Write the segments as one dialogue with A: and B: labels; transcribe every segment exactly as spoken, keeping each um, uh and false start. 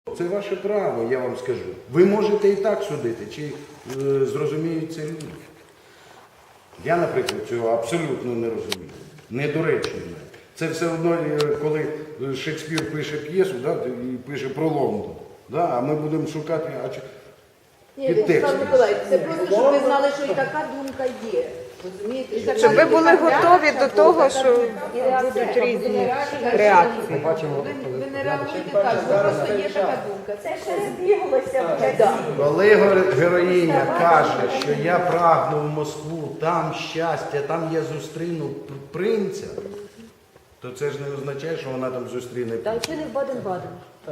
A: Це ваше право, я вам скажу. Ви можете і так судити, чи е, зрозуміють це люди. Я, наприклад, цього абсолютно не розумію. Недоречно. Це все одно, е, коли Шекспір пише п'єсу, да, і пише про Лондон. Да, а ми будемо шукати, а чи...
B: Ні, Вячеслав Миколаївич, це просто, щоб ви знали, що і така думка є. Розумієте? І така
C: Щоб ви були
B: реакція
C: готові до того,
B: буде.
C: що
B: І реакція
C: будуть
B: буде.
C: різні
B: Так,
C: реакції.
B: Ви, ви не реагуєте так, бо просто є така думка. Це ще збіглося вже. Да.
A: Коли геро- героїня каже, що я прагну в Москву, там щастя, там я зустріну п- принця, то це ж не означає, що вона там зустріне
B: Та
A: принця.
B: чи не в Баден-Баден?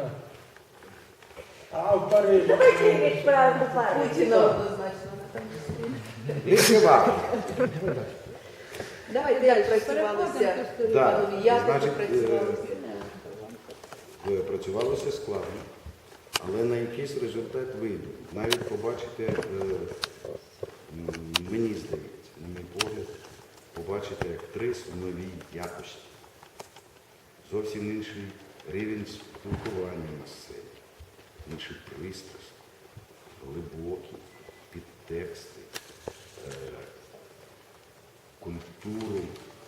D: А в Парижі.
B: Давайте відправимо Путіна однозначно.
A: Відкривати.
B: Давайте як працювалися.
A: Так,
B: Як
A: значить,
B: працювалися?
A: е, працювалося складно, але на якийсь результат вийде. Навіть побачите, е, м, мені здається, на мій погляд, побачите актрис в новій якості. Зовсім інший рівень спілкування на сцені, інший пристрасть, глибокі підтексти, е, культуру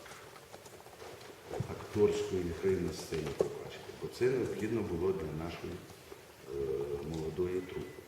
A: акторської гри на сцені побачити. Бо це необхідно було для нашої е, молодої трупи.